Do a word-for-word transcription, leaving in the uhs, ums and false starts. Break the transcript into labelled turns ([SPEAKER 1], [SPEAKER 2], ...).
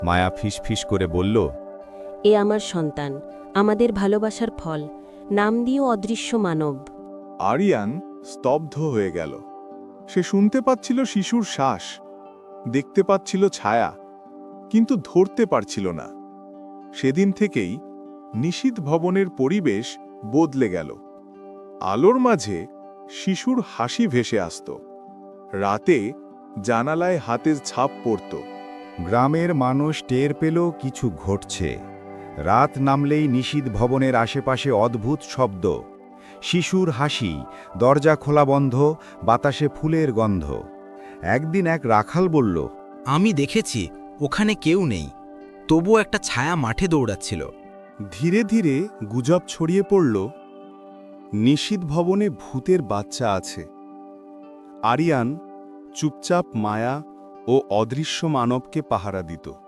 [SPEAKER 1] মায়া ফিসফিস করে বলল,
[SPEAKER 2] এ আমার সন্তান, আমাদের ভালোবাসার ফল, নাম দিও অদৃশ্য মানব।
[SPEAKER 3] আরিয়ান স্তব্ধ হয়ে গেল। সে শুনতে পাচ্ছিল শিশুর শ্বাস, দেখতে পাচ্ছিল ছায়া, কিন্তু ধরতে পারছিল না। সেদিন থেকেই নিশীথ ভবনের পরিবেশ বদলে গেল। আলোর মাঝে শিশুর হাসি ভেসে আসত, রাতে জানালায় হাতের ছাপ পড়ত।
[SPEAKER 1] গ্রামের মানুষ টের পেল কিছু ঘটছে। রাত নামলেই নিশীথ ভবনের আশেপাশে অদ্ভুত শব্দ, শিশুর হাসি, দরজা খোলা বন্ধ, বাতাসে ফুলের গন্ধ। একদিন এক রাখাল বলল,
[SPEAKER 4] আমি দেখেছি ওখানে কেউ নেই, তবুও একটা ছায়া মাঠে দৌড়াচ্ছিল।
[SPEAKER 3] ধীরে ধীরে গুজব ছড়িয়ে পড়ল, নিশীথ ভবনে ভূতের বাচ্চা আছে। আরিয়ান চুপচাপ মায়া ও অদৃশ্য মানবকে পাহারা দিত।